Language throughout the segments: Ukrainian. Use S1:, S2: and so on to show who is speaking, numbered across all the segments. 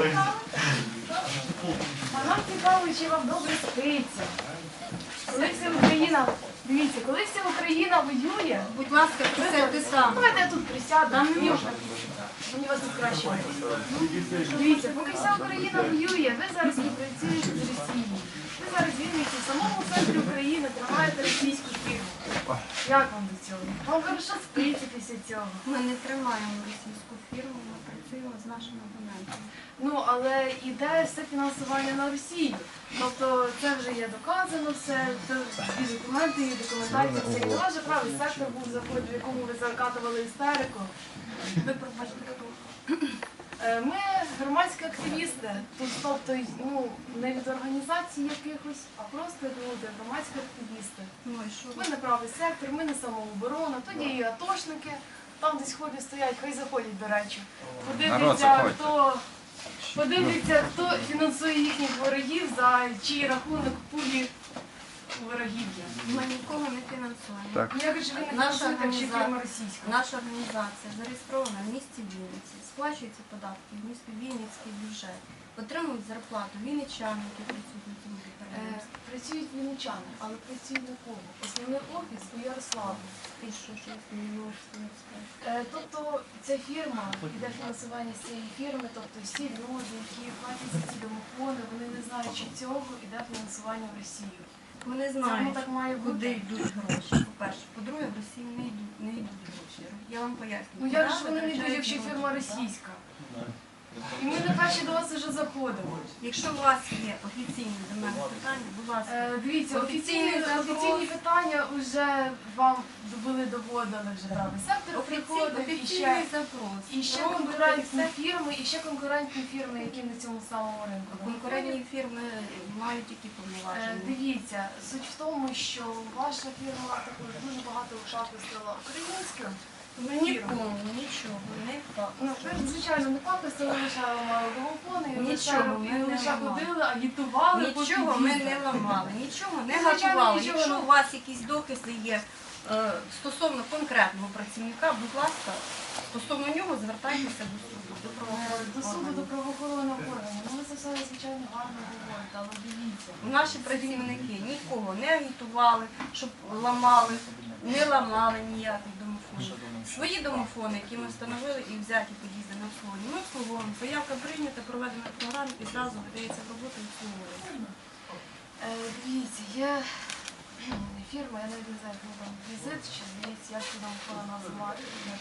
S1: А нам цікаво, чи вам добре спиться. Коли вся Україна, дивіться, коли вся Україна воює,
S2: Будь ласка, присядьте сам.
S1: давайте я тут присяду, мені вас тут краще. Дивіться, поки вся Україна воює, ви зараз працюєте з Росією. Ви зараз вільниці в самому центрі України тримаєте російську фірму. Як вам до цього? Вам хорошо спиться після цього.
S2: Ми не тримаємо російську фірму, ми працюємо з нашими абонентами.
S1: Ну, але іде все фінансування на Росію. Тобто це вже є доказано, все, і документи, і документація, все. І ваш правий сектор був заход, в якому ви закатували істерику.
S2: Ви пробачте, хто?
S1: Ми громадські активісти, тобто не від організацій якихось, а просто люди, громадські активісти.
S2: Ну і що?
S1: Ми не правий сектор, ми не самооборона, тоді і атошники, там десь ходять, стоять, хай заходять, до речі. Подивляться, хто фінансує їхніх ворогів, за чий рахунок пулі ворогів'я.
S2: Ми нікого не фінансуємо.
S3: Так.
S1: Я кажу, ви не фінансуєте, якщо фірма російська.
S2: Наша організація зареєстрована в місті Вінниці, сплачуються податки в місті Вінницький бюджет, отримують зарплату вінничани, які працюють на цьому підприємстві.
S1: Працюють вінничани, але працюють на кого? Основний офіс у Ярославі.
S2: І що я не можу сказати?
S1: Тобто ця фірма, іде фінансування з цієї фірми, тобто всі люди, які платять за ці домофони, вони не знають, що цього іде фінансування в Росію.
S2: Ми не
S1: Це
S2: знаємо,
S1: так має
S2: куди
S1: бути.
S2: йдуть гроші. По-перше, по-друге, в Росії не йдуть гроші. Я вам поясню.
S1: Ну як ж вони не йдуть, якщо фірма російська? І ми не перші до вас вже заходимо.
S2: Якщо у вас є офіційні до мене питання, будь ласка.
S1: Дивіться,
S2: Офіційний
S1: офіційні питання вже вам доводили вже правий сектор приходив,
S2: Офіційний запрос.
S1: і ще конкурентні фірми, які на цьому самому ринку.
S2: Конкурентні фірми мають які повноваження.
S1: Дивіться, суть в тому, що ваша фірма також дуже багато шахистила українським.
S2: Нікому нічого не
S1: Ну, звичайно, не пакостили, лише ламали домофони,
S2: Нічого ми не
S1: лише
S2: ламали.
S1: ходили, агітували.
S2: Нічого ми не ламали, нічого не
S1: Звичайно,
S2: готували.
S1: нічого
S2: Якщо
S1: не-
S2: у вас якісь докази є стосовно конкретного працівника, будь ласка, стосовно нього звертайтеся до суду, до
S1: До суду, до
S2: правоохоронних органів.
S1: правоохоронних органів. Ну, ви це все, звичайно, гарно говорите, але дивіться.
S2: Наші працівники нікого не агітували, щоб ламали, не ламали ніяких домофонів. Свої домофони, які ми встановили і взяті під'їзди на обслуговування, ми обслуговуємо. Заявка прийнята, проведена програма і зразу видається в роботу і обслуговується.
S1: Дивіться, є фірма, я навіть не знаю, як там візит, чи здається, як це домофона називати.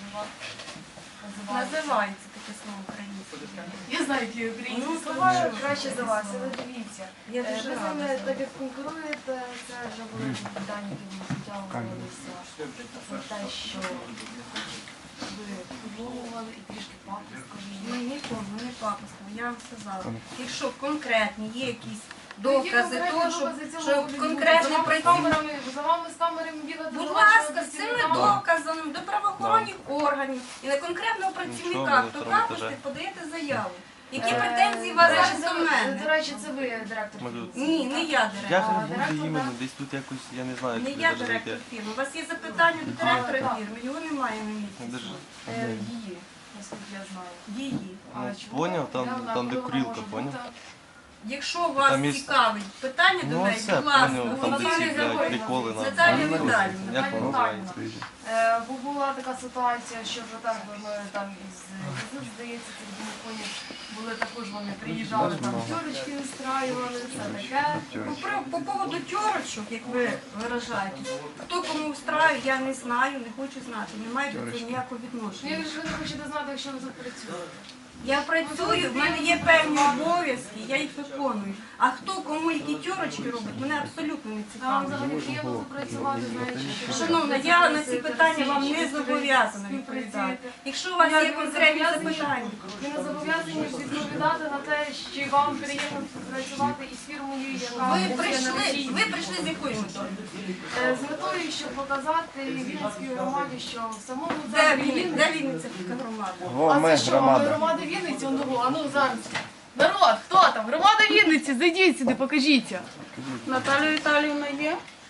S2: Називається таке слово українське.
S1: Я знаю, які українські
S2: Ну,
S1: слова,
S2: що?
S1: краще за вас, але дивіться.
S2: Я
S1: Ви
S2: дуже
S1: з ними,
S2: рада.
S1: так як конкуруєте, це вже були питання, які ми витягувалися про те, що ви підловували і трішки пакостили.
S2: Ми нікому не пакостили, я вам сказала. Якщо конкретні є якісь докази того, що конкретний працівник.
S1: За вами з камерами бігати.
S2: Будь ласка, з цими доказами до правоохоронних органів і на конкретного працівника, хто капусти, подаєте заяву. Які претензії у вас зараз до мене?
S1: До речі, це ви директор.
S2: Ні, не я
S3: Я
S2: директор.
S3: ж не буду іменно, десь тут якось, я не знаю,
S2: Не
S3: як
S2: я
S3: це
S2: директор
S3: зайти.
S2: фірми. У вас є запитання до директора фірми, його немає на місці.
S1: Її, наскільки я знаю.
S2: Її.
S3: Поняв, там де курілка, поняв?
S2: Якщо вас
S3: Там є-
S2: цікавить питання до
S3: Ну
S2: неї,
S3: все,
S2: будь ласка,
S3: поняв, там де ці,
S2: Наталія
S3: блядь,
S2: Григорівна.
S3: приколи на
S2: Наталія Віталіївна.
S3: як воно називається?
S1: Бо була така ситуація, що вже так ми там із візит, здається, цих домофонів були також, вони приїжджали, там тьорочки устраювали, все таке.
S2: По поводу тьорочок, як ви виражаєтесь, хто кому встраю, я не знаю, не хочу знати, не маю до цього ніякого
S1: Ну,
S2: відношення.
S1: як же ви не хочете знати, якщо ви тут працюєте?
S2: Я працюю, в мене є певні обов'язки, я їх виконую. А хто кому які тьорочки робить, мене абсолютно не
S1: Там
S2: цікавить.
S1: взагалі приємно тут працювати, знаючи, що...
S2: Шановна, я на ці питання вам не зобов'язана відповідати. Якщо у вас є конкретні запитання,
S1: Ви не зобов'язані відповідати на те, що вам приємно працювати із фірмою, яка
S2: ви
S1: працює на Росії.
S2: прийшли з якою метою?
S1: З метою, щоб показати Вінницькій громаді, що в самому
S2: Де
S1: центрі
S2: Вінниця? Де Вінниця громада?
S3: Во, ми
S1: А це що,
S3: громада.
S1: громада Вінниці? А ну зараз. Народ, хто там? Громада Вінниці, зайдіть сюди, покажіться.
S4: Наталя Віталіївна є?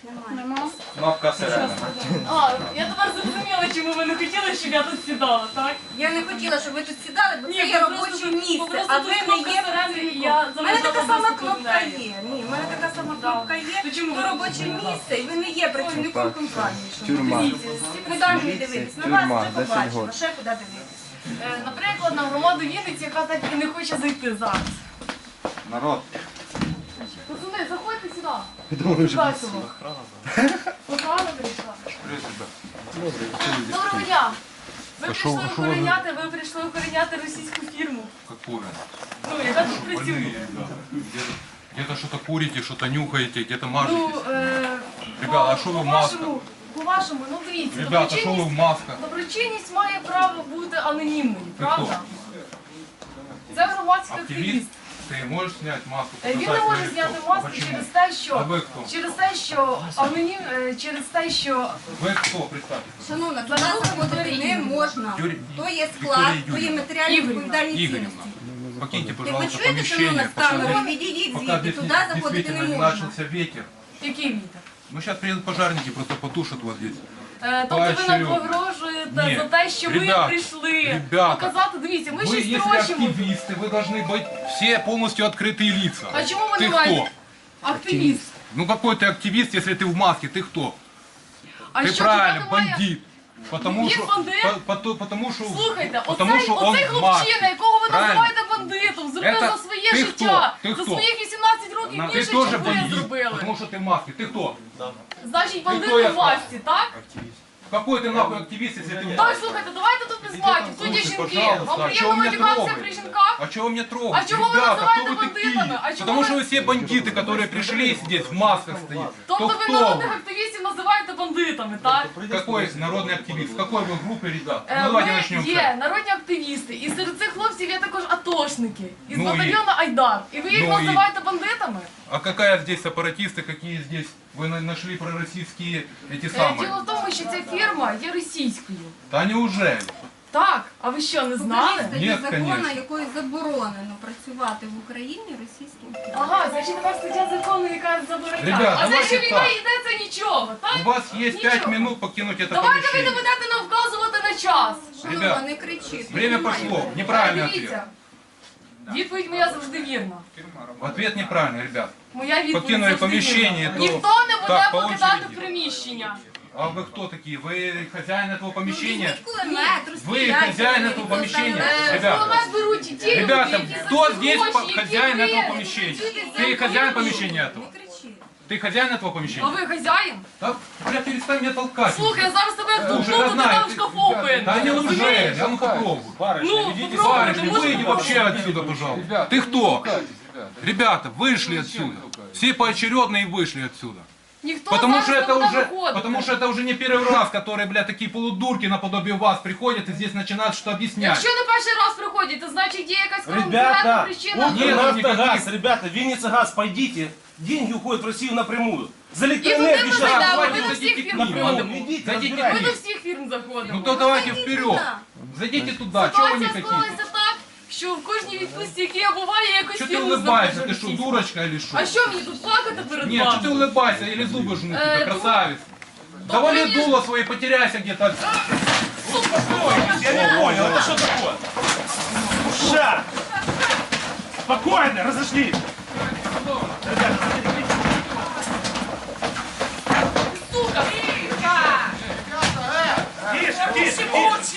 S2: Немає.
S4: Кнопка сирена.
S1: А, я тепер зрозуміла, чому ви не хотіли, щоб я тут сідала, так?
S2: Я не хотіла, щоб ви тут сідали, бо це
S1: Ні,
S2: є
S1: ви
S2: робоче
S1: просто-
S2: місце,
S1: просто
S2: а
S1: тут
S2: ви не
S1: кнопка
S2: є
S1: сирени,
S2: працівником.
S1: я
S2: У мене така
S1: залишала
S2: сама
S1: доступ до
S2: кнопка
S1: неї.
S2: є. Ні, у мене така сама кнопка є.
S1: То чому
S2: То
S1: ви
S2: робоче місце, і ви не є працівником компанії. що ви
S3: Тюрма.
S2: дивіться. Куди мені дивитися? На вас
S3: Тюрма,
S2: вже
S3: 10
S2: побачила,
S3: год.
S2: ще куди дивитися.
S1: Наприклад, на громаду Вінниці, яка так і не хоче зайти зараз.
S4: Народ.
S1: Пацани, заходьте сюди.
S3: Думаю, що
S1: Сюди сюди. Охрана прийшла. Доброго дня. Ви прийшли охороняти, російську фірму.
S5: Какую?
S1: Ну, яка тут працює.
S5: Больные ребята. Где-то что-то курите, что-то нюхаете, где-то мажетесь.
S1: Ну,
S5: Ребята, а що ви в масках?
S1: По-вашому, ну дивіться,
S5: Ребята, что вы в масках?
S1: доброчинність має право бути анонімною,
S5: Ти
S1: правда? Це громадський активіст.
S5: Активист? Ты можешь снять маску?
S1: Він не
S5: показать
S1: може
S5: свое
S1: зняти
S5: лицо?
S1: маску
S5: Почему?
S1: через те,
S5: А
S1: що
S5: ви хто?
S1: через те, що
S5: Вы кто, представьте?
S2: Шановна, туди заходити не можна.
S5: Юрій-
S2: То є склад,
S5: Вікторія
S2: то є
S5: Юріївна.
S2: матеріальні відповідальні
S5: Игоревна,
S2: цінності.
S5: покиньте,
S2: Як ви
S5: пожалуйста,
S2: чуєте, шановна,
S5: помещение,
S2: з камерою,
S5: пока,
S2: відійдіть
S5: пока
S2: звідти,
S5: здесь
S2: туди заходити не
S5: действительно не
S2: можна.
S5: начался ветер.
S1: який вітер.
S5: Ну, сейчас приедут пожарники, просто потушат вот здесь.
S1: Тобто ви нам
S5: Поощрю.
S1: погрожуєте
S5: Ні.
S1: за те, що ви
S5: Ребята,
S1: прийшли
S5: ребята,
S1: показати, дивіться, ми
S5: Вы,
S1: щось
S5: если
S1: трощимо.
S5: активисты, вы должны быть все полностью открытые лица.
S1: А чому ви
S5: Ты
S1: не маєте?
S5: кто?
S1: Активіст.
S5: Ну какой ты активист, если ты в маске? Ты кто?
S1: А
S5: Ты
S1: що
S5: правильно,
S1: туди немає?
S5: бандит. Потому
S1: Він
S5: что,
S1: бандит?
S5: потому что,
S1: Слухайте,
S5: потому
S1: оцей
S5: что он в
S1: хлопчина,
S5: маске.
S1: якого ви
S5: Правильно.
S1: називаєте бандитом, зробив
S5: Это
S1: за своє
S5: ти
S1: життя,
S5: хто? Ти
S1: за
S5: хто?
S1: своїх 18 років
S5: Ты
S1: більше,
S5: тоже
S1: ніж ви
S5: бандит,
S1: зробили.
S5: потому что ты в маске. Ты кто?
S1: Значить, бандит
S5: хто, я
S1: у власті, так?
S5: Какой ты нахуй активист, если ты в
S1: Так,
S5: маске?
S1: слухайте, давайте тут без матів, тут є
S5: Слушай,
S1: жінки.
S5: пожалуйста,
S1: Вам
S5: а чого
S1: приємно
S5: ви мене
S1: матюкатися
S5: трогаєте?
S1: при жінках?
S5: А чего вы мне трогаете?
S1: А чего вы
S5: Ребята,
S1: называете
S5: кто вы
S1: бандитами?
S5: такие?
S1: А чего
S5: Потому
S1: вы-
S5: что вы все бандиты, которые пришли здесь в масках стоят.
S1: Тобто
S5: То
S1: ви
S5: кто
S1: народних
S5: вы?
S1: активістів називаєте бандитами, так?
S5: Какой народный активист? В какой вы группе, ребят?
S1: Ми
S5: Ну давайте начнем с этого.
S1: є народні активісти, і серед цих хлопців є також атошники із
S5: Ну,
S1: батальйону Айдар. І ви їх
S5: Ну, і-
S1: називаєте бандитами?
S5: А какая здесь сепаратисты, какие здесь вы нашли пророссийские эти самые?
S1: Діло в тому, що ця фірма є російською.
S5: Да неужели?
S1: Так, а ви що, не знали?
S2: Покажіть статтю
S5: Ні,
S2: закону,
S5: конечно.
S2: якою заборонено працювати в Україні російським фірмам.
S1: Ага, значить така стаття закону, яка забороняє.
S5: Ребят,
S1: А це
S5: давайте
S1: що війна
S5: так.
S1: йде, це нічого, так?
S5: У вас есть 5
S1: Ничего.
S5: минут покинуть это
S1: Давайте ви не
S5: помещение.
S1: будете нам вказувати на час.
S2: Шановна,
S5: Ребят,
S2: не кричіть.
S5: Время
S2: немає.
S5: пошло. Неправильный ответ.
S1: Дивіться, відповідь моя завжди вірна.
S5: Ответ неправильный, ребят.
S1: Моя відповідь
S5: Покинули
S1: завжди
S5: поміщення,
S1: вірна.
S5: то-
S1: Ніхто не буде
S5: Так, по
S1: покидати
S5: очереді.
S1: приміщення.
S5: А вы кто такие? Вы хозяин этого помещения?
S2: Візьміть кулемет,
S5: Вы
S2: розстріляйте
S5: хозяин
S2: мене,
S5: этого
S2: ніхто
S5: помещения?
S2: стане-
S5: Ребята,
S1: Кулемет беруть ті люди,
S5: Ребята,
S1: які
S5: кто
S1: за ці
S5: здесь
S1: гроші, які
S5: хозяин
S1: ви
S5: этого помещения?
S2: працюєте за
S5: Ты хозяин
S2: Україну.
S5: помещения
S2: Не
S5: этого?
S2: кричіть.
S5: Ты хозяин этого
S1: А
S5: помещения?
S1: ви хазяїн?
S5: Да, бля, перестань меня толкать.
S1: Слухай, я зараз тебе
S5: Слушай,
S1: вдухну,
S5: я
S1: ти
S5: знаю,
S1: там в
S5: ты-
S1: шкафу пин.
S5: Да неужели? А ну попробуй.
S1: Ну,
S5: Барышня,
S1: попробуйте,
S5: выйди
S1: можете
S5: вообще отсюда, пожалуйста. Ты кто? Ребята, вышли отсюда. Все поочередно и вышли отсюда.
S1: Ніхто
S5: Потому
S1: зараз
S5: что,
S1: не
S5: это
S1: буде
S5: уже,
S1: виходити.
S5: потому что это уже не первый раз, которые, бля, такие полудурки наподобие вас приходят и здесь начинают что объяснять.
S1: Якщо не перший раз приходять, то значить є якась конкретна
S6: Ребята,
S1: причина.
S5: Нет,
S6: Укрнафтогаз,
S5: никаких.
S6: ребята, Винница газ, пойдите. Деньги уходят в Россию напрямую. За
S1: И
S6: электроэнергию
S1: туда мы
S6: сейчас
S1: зайдем,
S6: давайте
S1: мы до
S6: зайдите
S1: всех
S6: к
S1: фирм
S6: ним.
S1: заходим.
S6: Ну, идите,
S5: Зайдите
S1: Ми
S6: разбирайтесь.
S1: до всіх фірм заходимо.
S5: Ну то давайте
S2: Зайдите
S5: вперед.
S2: туда.
S5: Зайдите туда, чего вы не
S1: Ситуація
S5: хотите?
S1: склалася так, що в кожній відпустці, які я буваю, я якось
S5: Что ты
S1: фірму
S5: улыбаешься?
S1: знаходжу
S5: Ты что,
S1: російську.
S5: дурочка или что?
S1: А що мені тут плакати перед
S5: Нет, что ты
S1: вами?
S5: улыбайся или зубы жмут тебя,
S1: ну,
S5: красавец. Давали
S1: мне-
S5: дуло свои, потеряйся где-то.
S6: Я не понял, это что такое? Ша! Спокойно, разошлись.
S1: Сука!
S6: Тише, тише, тише.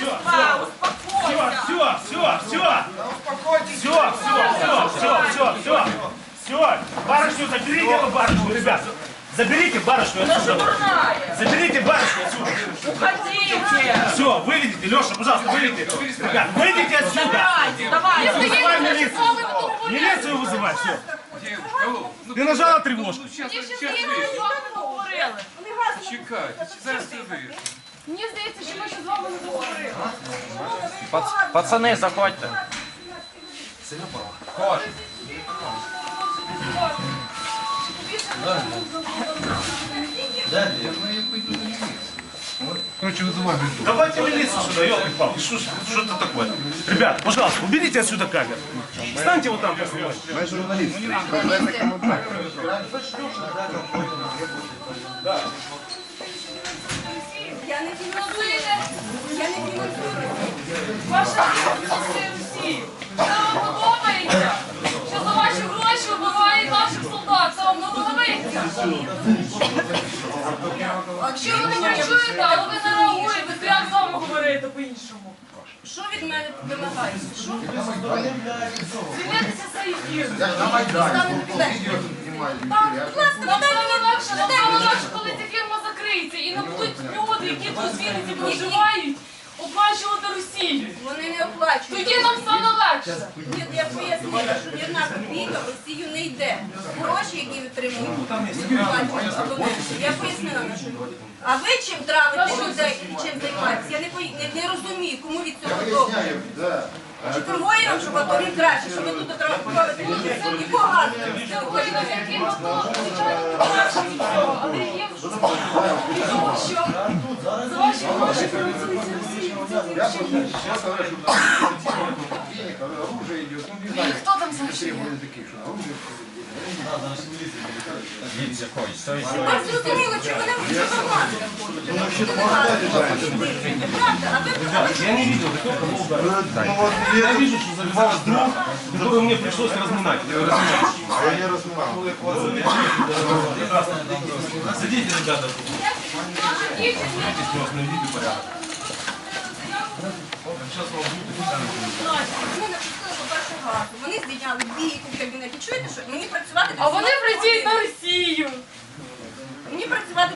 S6: Все. Барышню заберите, эту барышню, ребят. Заберите барышню отсюда. Заберите барышню отсюда.
S7: Уходите!
S6: Все, выведите, Леша, пожалуйста, выведите. Ребят, выйдите отсюда.
S7: Давай!
S6: Вызывай
S1: Я
S6: милицию.
S1: з вами не договорюся.
S6: Милицию вызывай, все. Ты нажала тревожку.
S1: Я ще з вами не договорили.
S5: Чекайте, зараз ти вийдеш.
S1: Мені здається, що ми ще з вами не договорили.
S4: Пацани, заходьте.
S5: Хош. короче, вызывай ментов.
S6: Давайте милицию сюда, елки-палки, что это такое? Ребят, пожалуйста, уберите отсюда камеру. Встаньте вот там, поснимайте.
S2: Я не фінансую. Я не фінансую.
S1: Ваша Росія Росії. Це вам подобається? Що за ваші гроші вбивають наших солдат? Це вам не подобається? Якщо ви не чуєте, але ви не реагуєте, то як з вами говорити по-іншому?
S2: Що від мене вимагається? Що?
S1: Звільнитися за ефір.
S2: Ставити білет. Так, будь ласка,
S1: Нам
S2: надай
S1: стане
S2: мені.
S1: легше, нам стане легше, коли ця фірма закриється. І не будуть люди, які тут з Вінниці проживають, оплачувати Росію.
S2: Вони не оплачують.
S1: Тоді нам стане легше.
S2: Ні, я пояснила, що ні одна копійка в Росію не йде. Гроші, які витримують, оплачують абоненти. Я пояснила на що. А ви чим травите людей і чим займаєтесь? Я не розумію, кому від цього добре. Чи конвоїрам, щоб АТО їм краще, щоб ви тут отравити людей? Якого газу?
S1: Україна, який можна, звичайно, не краще від цього, але є вже від того, що за ваші гроші фінансується Росія. Це ще гірше. І хто там залишив?
S2: Тепер зрозуміло, чи вони в інформацію ходять. Правда, а ви
S6: Я не видел, кто это был. Я вижу, что завязалась друг, которую мне пришлось разминать. Садите, ребята.
S2: Вони напустили, по-перше, газу. Вони здійняли бійку в кабінеті. Чуєте, що? Мені працювати...
S1: А вони працюють на Росію.
S2: Мені працювати